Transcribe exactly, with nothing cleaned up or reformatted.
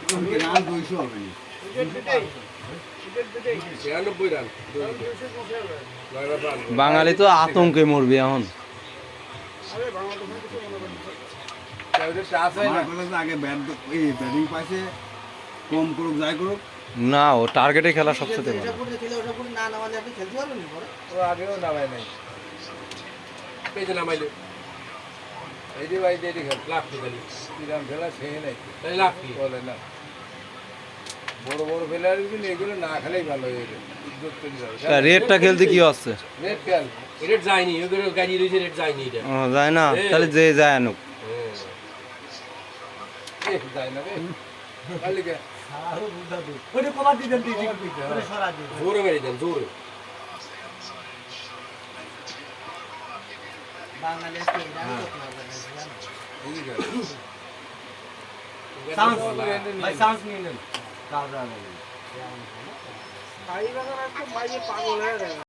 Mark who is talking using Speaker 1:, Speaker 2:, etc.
Speaker 1: Run দুইশো হবে না।
Speaker 2: বাঙালি তো আতঙ্কে মরবে এখন।
Speaker 1: আমার কথা হচ্ছে আগে ব্যাট এই ব্যাটিং পাইছে কম করুক যাই করুক।
Speaker 2: না, ও টার্গেটে খেলা সবচেয়ে ভালো।
Speaker 3: ও আগেও নামায় নাই পেজে নামাইলো এই যে ভাই যে খেল লাখ খেলি কিরাম খেলা খেয়ে নাই তাই লাখ কি বলে না বড় বড় প্লেয়ার কিন্তু এগুলো না খেলেই ভালো হয়ে যাবে ইজ্জত চলে যাবে।
Speaker 2: রেডটা খেলতে কি হচ্ছে?
Speaker 3: রেড খেল রেড যায়নি ওগুলো গাড়ি রয়েছে রেড যায়নি এটা
Speaker 2: ও যায় না, তাহলে যে যায় আনুক।
Speaker 3: এ যায় না রে কালিকে
Speaker 4: আরো বুঝা দে ওরে কবার দিবেন দিদি ওরে সরা দিবেন
Speaker 3: জোরে মেরে দেন জোরে
Speaker 4: বাংলাদেশে ইরান লোক না
Speaker 3: এই যে
Speaker 4: সাউন্ড ভাই সাউন্ড নিয়ে নেন
Speaker 3: কাজ আগে
Speaker 4: ভাই বাগান একটু বাইরে পাগল হয়ে গেল।